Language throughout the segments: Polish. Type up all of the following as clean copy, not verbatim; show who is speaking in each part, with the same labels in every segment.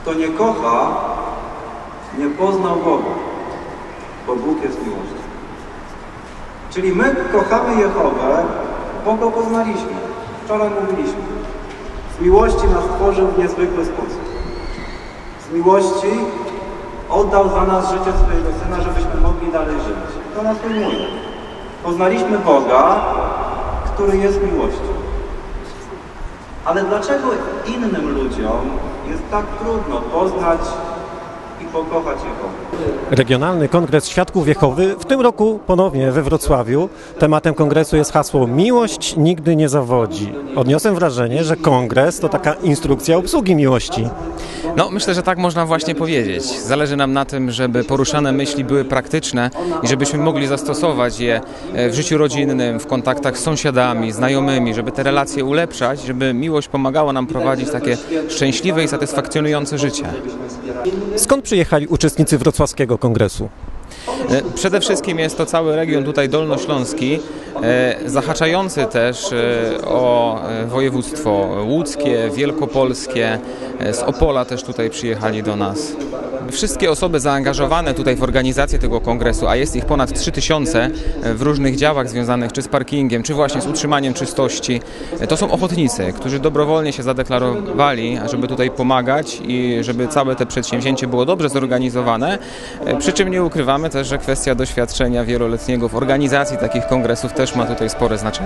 Speaker 1: Kto nie kocha, nie poznał Boga, bo Bóg jest miłością. Czyli my kochamy Jehowę, bo Go poznaliśmy. Wczoraj mówiliśmy. Z miłości nas stworzył w niezwykły sposób. Z miłości oddał za nas życie swojego Syna, żebyśmy mogli dalej żyć. To nas ujmuje. Poznaliśmy Boga, który jest miłością. Ale dlaczego innym ludziom jest tak trudno poznać i pokochać Jehowę?
Speaker 2: Regionalny Kongres Świadków Jehowy w tym roku ponownie we Wrocławiu. Tematem kongresu jest hasło "Miłość nigdy nie zawodzi". Odniosłem wrażenie, że kongres to taka instrukcja obsługi miłości.
Speaker 3: No, myślę, że tak można właśnie powiedzieć. Zależy nam na tym, żeby poruszane myśli były praktyczne i żebyśmy mogli zastosować je w życiu rodzinnym, w kontaktach z sąsiadami, znajomymi, żeby te relacje ulepszać, żeby miłość pomagała nam prowadzić takie szczęśliwe i satysfakcjonujące życie.
Speaker 2: Skąd przyjechali uczestnicy wrocławskiego kongresu?
Speaker 3: Przede wszystkim jest to cały region tutaj dolnośląski, zahaczający też o województwo łódzkie, wielkopolskie, z Opola też tutaj przyjechali do nas. Wszystkie osoby zaangażowane tutaj w organizację tego kongresu, a jest ich ponad 3000 w różnych działach związanych czy z parkingiem, czy właśnie z utrzymaniem czystości, to są ochotnicy, którzy dobrowolnie się zadeklarowali, żeby tutaj pomagać i żeby całe te przedsięwzięcie było dobrze zorganizowane, przy czym nie ukrywamy też, że kwestia doświadczenia wieloletniego w organizacji takich kongresów też ma tutaj spore znaczenie.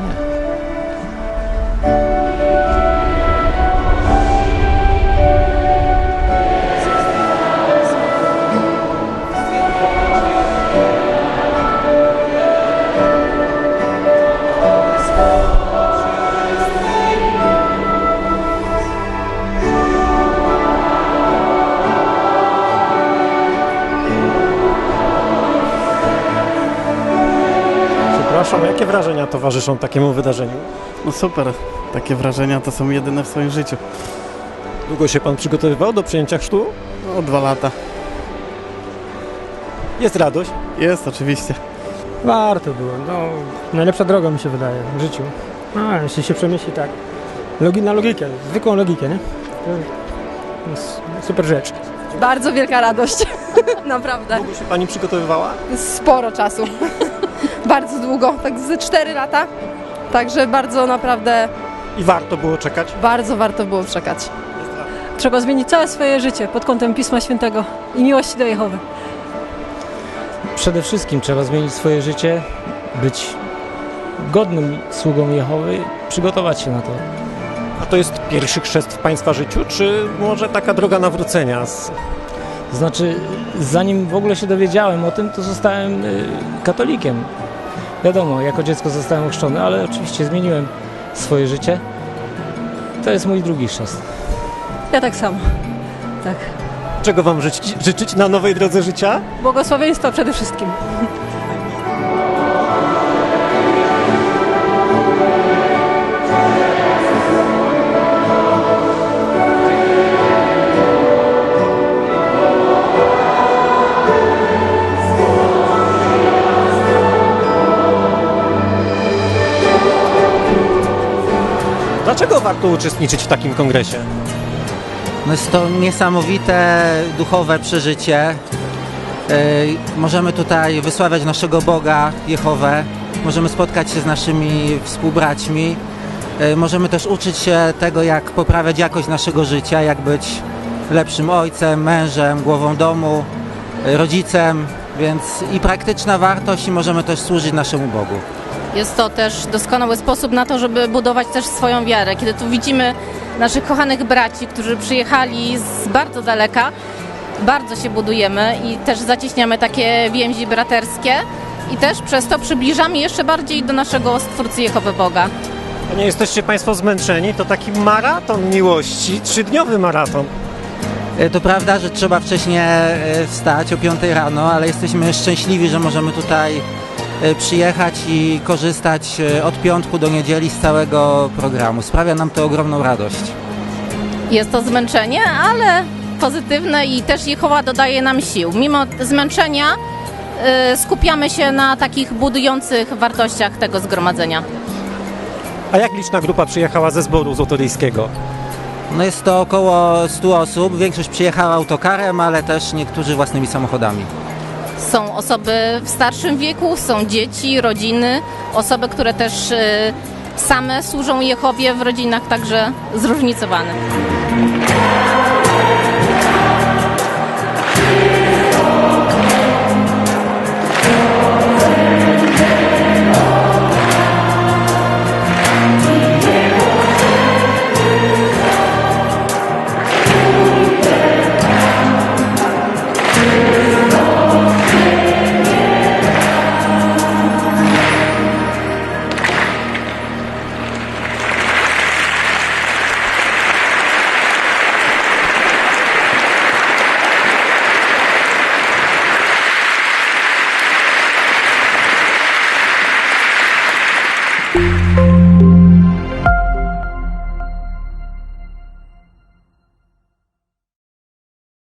Speaker 2: Przepraszam, jakie wrażenia towarzyszą takiemu wydarzeniu?
Speaker 4: No super, takie wrażenia to są jedyne w swoim życiu.
Speaker 2: Długo się pan przygotowywał do przyjęcia chrztu?
Speaker 4: No 2 lata.
Speaker 2: Jest radość?
Speaker 4: Jest oczywiście.
Speaker 5: Warto było, no najlepsza droga mi się wydaje w życiu. A, jeśli się przemyśli tak, na logikę, zwykłą logikę, nie? To jest super rzecz.
Speaker 6: Bardzo wielka radość, naprawdę.
Speaker 2: Długo się pani przygotowywała?
Speaker 6: Sporo czasu, bardzo długo, tak ze 4 lata, także bardzo naprawdę,
Speaker 2: I warto było czekać?
Speaker 6: bardzo warto było czekać.
Speaker 7: Trzeba zmienić całe swoje życie pod kątem Pisma Świętego i miłości do Jehowy.
Speaker 5: Przede wszystkim trzeba zmienić swoje życie, być godnym sługą Jehowy, przygotować się na to.
Speaker 2: A to jest pierwszy chrzest w państwa życiu, czy może taka droga nawrócenia?
Speaker 5: To znaczy, zanim w ogóle się dowiedziałem o tym, to zostałem katolikiem. Wiadomo, jako dziecko zostałem ochrzczony, ale oczywiście zmieniłem swoje życie. To jest mój drugi chrzest.
Speaker 7: Ja tak samo. Tak.
Speaker 2: Czego wam życzyć na nowej drodze życia?
Speaker 7: Błogosławieństwa przede wszystkim.
Speaker 2: Dlaczego warto uczestniczyć w takim kongresie?
Speaker 8: No jest to niesamowite duchowe przeżycie. Możemy tutaj wysławiać naszego Boga, Jehowę. Możemy spotkać się z naszymi współbraćmi. Możemy też uczyć się tego, jak poprawiać jakość naszego życia, jak być lepszym ojcem, mężem, głową domu, rodzicem. Więc i praktyczna wartość, i możemy też służyć naszemu Bogu.
Speaker 9: Jest to też doskonały sposób na to, żeby budować też swoją wiarę. Kiedy tu widzimy naszych kochanych braci, którzy przyjechali z bardzo daleka, bardzo się budujemy i też zacieśniamy takie więzi braterskie i też przez to przybliżamy jeszcze bardziej do naszego Stwórcy Jehowy Boga.
Speaker 2: A nie jesteście państwo zmęczeni? To taki maraton miłości, 3-dniowy maraton.
Speaker 8: To prawda, że trzeba wcześniej wstać o 5 rano, ale jesteśmy szczęśliwi, że możemy tutaj przyjechać i korzystać od piątku do niedzieli z całego programu. Sprawia nam to ogromną radość.
Speaker 9: Jest to zmęczenie, ale pozytywne i też Jehowa dodaje nam sił. Mimo zmęczenia skupiamy się na takich budujących wartościach tego zgromadzenia.
Speaker 2: A jak liczna grupa przyjechała ze zboru złotoryjskiego?
Speaker 8: No jest to około 100 osób, większość przyjechała autokarem, ale też niektórzy własnymi samochodami.
Speaker 9: Są osoby w starszym wieku, są dzieci, rodziny, osoby, które też same służą Jehowie w rodzinach, także zróżnicowane.